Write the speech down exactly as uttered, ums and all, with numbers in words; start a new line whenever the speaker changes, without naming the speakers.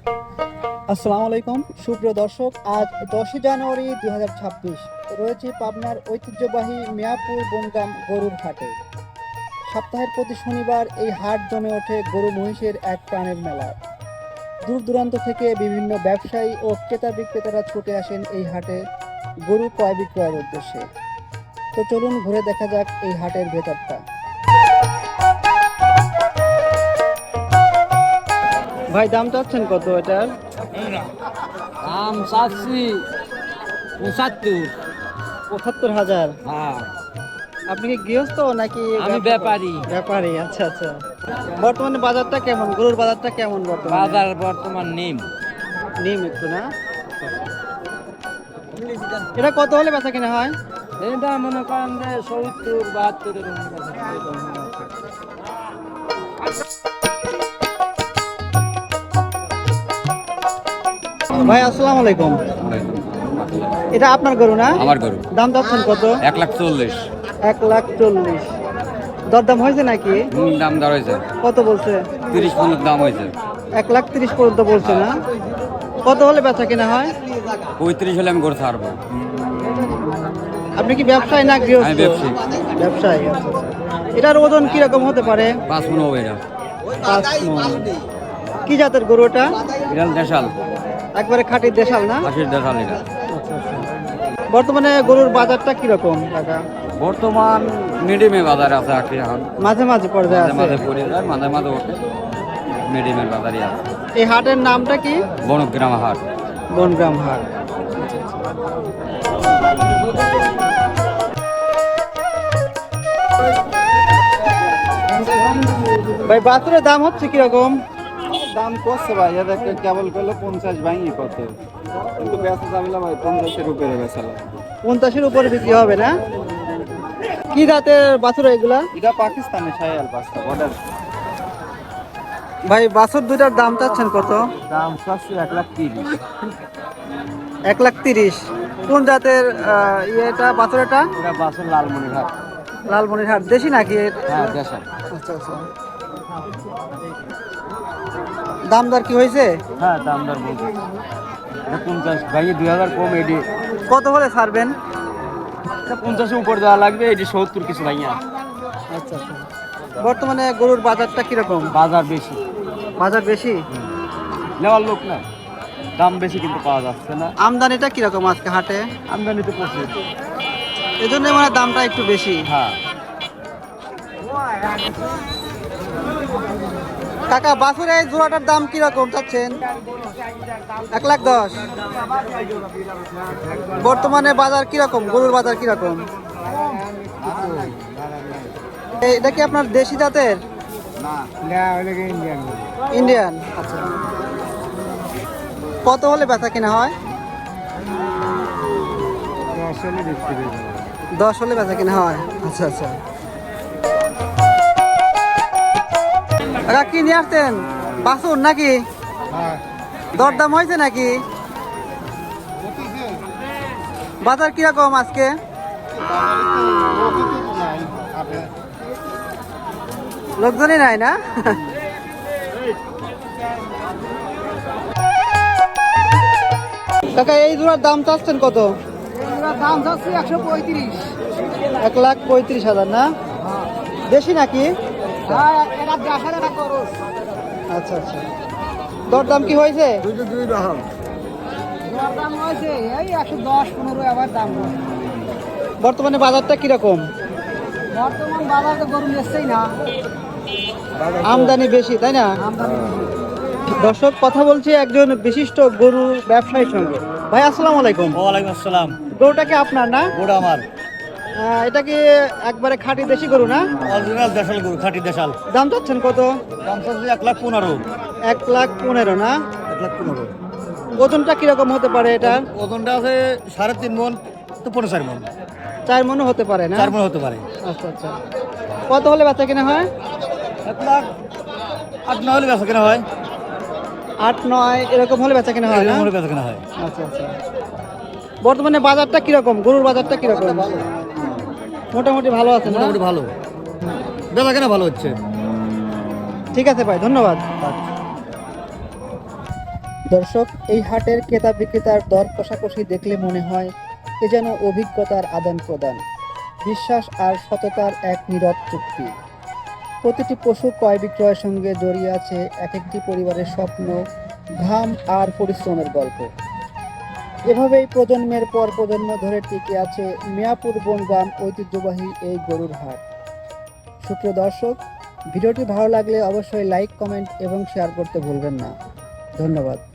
আসসালামু আলাইকুম সুপ্রিয় দর্শক, আজ দশই জানুয়ারি দুই হাজার ছাব্বিশ রয়েছে পাবনার ঐতিহ্যবাহী মিয়াপুর বনগ্রাম গরুর হাটে। সপ্তাহের প্রতি শনিবার এই হাট জমে ওঠে গরু মহিষের এক প্রাণের মেলায়। দূর দূরান্ত থেকে বিভিন্ন ব্যবসায়ী ও ক্রেতা বিক্রেতারা ছুটে আসেন এই হাটে গরু ক্রয় বিক্রয়ের উদ্দেশ্যে। তো চলুন ঘুরে দেখা যাক এই হাটের ভেতরটা। ভাই দাম চাচ্ছেন কত এটার?
দাম চাচ্ছি পঁচাত্তর।
পঁচাত্তর হাজার।
হ্যাঁ,
আপনি কি গৃহস্থ নাকি
আমি ব্যাপারী।
ব্যাপারী, আচ্ছা আচ্ছা। বর্তমানে বাজারটা কেমন, গরুর বাজারটা কেমন বর্তমানে?
বাজার বর্তমান নিম
নিম একটু না। এটা কত হলে বেচা কিনা হয়?
এটা মনে করেন যে সত্তর বাহাত্তরের
ভাই আসসালামু আলাইকুম। এটা আপনার গরু না?
আমার গরু।
দাম চাচ্ছেন কত?
এক লাখ চল্লিশ।
এক লাখ চল্লিশ। দরদাম হয়েছে নাকি?
দাম দর হয়েছে
কত বলছে?
তিরিশ পনেরো দাম হয়েছে।
এক লাখ তিরিশ পর্যন্ত বলছে না? কত হলে বেচা কিনা হয়?
পঁয়ত্রিশ হলে আমি গরু ছাড়বো।
আপনি কি ব্যবসায়ী না গৃহস্থ?
আমি ব্যবসায়ী।
ব্যবসায়ী, আচ্ছা আচ্ছা। এটার ওজন কি রকম হতে পারে?
পাঁচ মন হবে এটা।
পাঁচ মণ। কি জাতের গরু এটা?
এটা দেশাল।
একবারে খাঁটি দেশাল না?
আশির দেশাল এটা।
বর্তমানে গরুর বাজারটা কিরকম টাকা?
বর্তমান মিডিয়ামে বাজার আছে আর কি এখন।
মাঝে মাঝে পর্যায়ে
মাঝে মাঝে
আছে।
পড়ে যায়, মাঝে মাঝে ওঠে। মিডিয়ামের বাজারই আছে।
এই হাটের নামটা কি?
বনগ্রাম হাট।
বনগ্রাম হাট। ভাই বাছুরের দাম হচ্ছে কিরকম?
দাম করছে ভাই, এদেরকে কেবল করলে পঞ্চাশ ভাঙি কত, কিন্তু বেচা যাবে না ভাই, পঞ্চাশের উপরে বেচালাম।
পঞ্চাশের উপরে বিক্রি হবে না? কি জাতের বাছুর এগুলা?
এটা পাকিস্তানে শায়াল পাঁচটা বর্ডার।
ভাই বাছুর দুইটার দাম চাচ্ছেন কত?
দাম চাচ্ছি এক লাখ তিরিশ।
এক লাখ তিরিশ। কোন জাতের আহ, ইয়েটা বাছুর এটা?
এটা বাসের লালমনির হাট।
লালমনিরহাট দেশি নাকি?
হ্যাঁ দেশাল।
আচ্ছা আচ্ছা। দাম দর কি হয়েছে?
হ্যাঁ দাম দর বলছি, এটা পঞ্চাশ ভাঙি দুই হাজার কম। এটি
কত হলে ছাড়বেন?
এটা পঞ্চাশের উপর দেওয়া লাগবে, এটি সত্তর কিছু ভাইয়া।
আচ্ছা আচ্ছা। বর্তমানে গরুর বাজারটা কিরকম?
বাজার বেশি,
বাজার বেশি।
নেওয়ার লোক না, দাম বেশি কিন্তু পাওয়া যাচ্ছে না।
আমদানিটা কিরকম আজকে হাটে?
আমদানি তো প্রচুর।
এই জন্য মানে দামটা একটু বেশি।
হ্যাঁ
কাকা বাছুর এই জোড়াটার দাম কিরকম চাচ্ছেন? এক লাখ দশ। বর্তমানে বাজার কিরকম, গরুর বাজার কিরকম? এই- এটা কি আপনার দেশি জাতের? ইন্ডিয়ান। আচ্ছা। কত হলে বেচা কিনা হয়? দশ হলে বেচা কিনা হয়। আচ্ছা আচ্ছা। কাকা কি নিয়ে আসছেন? বাছুর নাকি? দরদাম হয়েছে নাকি? বাজার কিরকম আজকে? লোকজনই নাই না? কাকা এই জোড়ার দাম চাচ্ছেন কত?
দাম যাচ্ছে একশো পঁয়ত্রিশ।
এক লাখ পঁয়ত্রিশ হাজার না? দেশি নাকি?
এটা দেখার একটা খরচ।
আচ্ছা আচ্ছা। দরদাম কি হয়েছে?
যার দাম হয়েছে এই একশো দশ পনেরো আবার দাম হয়েছে।
বর্তমানে বাজারটা কিরকম?
বর্তমান বাজারে গরু নিচ্ছেই না,
আমদানি বেশি তাই না?
আমদানি
দর্শক, কথা বলছি একজন বিশিষ্ট গরু ব্যবসায়ীর সঙ্গে। ভাই আসসালামু আলাইকুম।
ওয়ালাইকুম আসসালাম।
গরুটা কি আপনার না?
ওটা আমার
আহ, এটা কি একবারে খাঁটি দেশি গরু না?
অরিজিনাল দেশাল গরু, খাঁটি দেশাল।
দাম চাচ্ছেন কত?
দাম চাচ্ছি এক লাখ পনেরো।
এক লাখ পনেরো না?
এক লাখ পনেরো।
ওজনটা কিরকম হতে পারে এটা?
ওজনটা আছে সাড়ে তিন মন তো পনেরো চার মন।
চার মনও হতে পারে না?
চার মন হতে পারে।
আচ্ছা আচ্ছা। কত হলে বেচা কিনা হয়?
এক লাখ আট নয় হলে বেচা কেনা হয়।
আট নয় এরকম হলে বেচা কিনা হয় না?
এরকম হলে বেচা কেনা হয়।
আচ্ছা আচ্ছা। বর্তমানে বাজারটা কিরকম, গরুর বাজারটা কিরকম? মোটামুটি ভালো আছে না?
মোটামুটি ভালো, বেচা কেনা ভালো হচ্ছে।
ঠিক আছে ভাই, ধন্যবাদ। দর্শক, এই হাটের ক্রেতা বিক্রেতার দর কষাকষি দেখলে মনে হয় এ যেন অভিজ্ঞতার আদান প্রদান, বিশ্বাস আর সততার এক নীরব চুক্তি। প্রতিটি পশু ক্রয় বিক্রয়ের সঙ্গে জড়িয়ে আছে এক একটি পরিবারের স্বপ্ন, ঘাম আর পরিশ্রমের গল্প। এভাবেই প্রজন্মের পর প্রজন্ম ধরে টিকে আছে মিয়াপুর বনগ্রাম ঐতিহ্যবাহী এই গরুর হাট। সুপ্রিয় দর্শক, ভিডিওটি ভালো লাগলে অবশ্যই লাইক, কমেন্ট এবং শেয়ার করতে ভুলবেন না। ধন্যবাদ।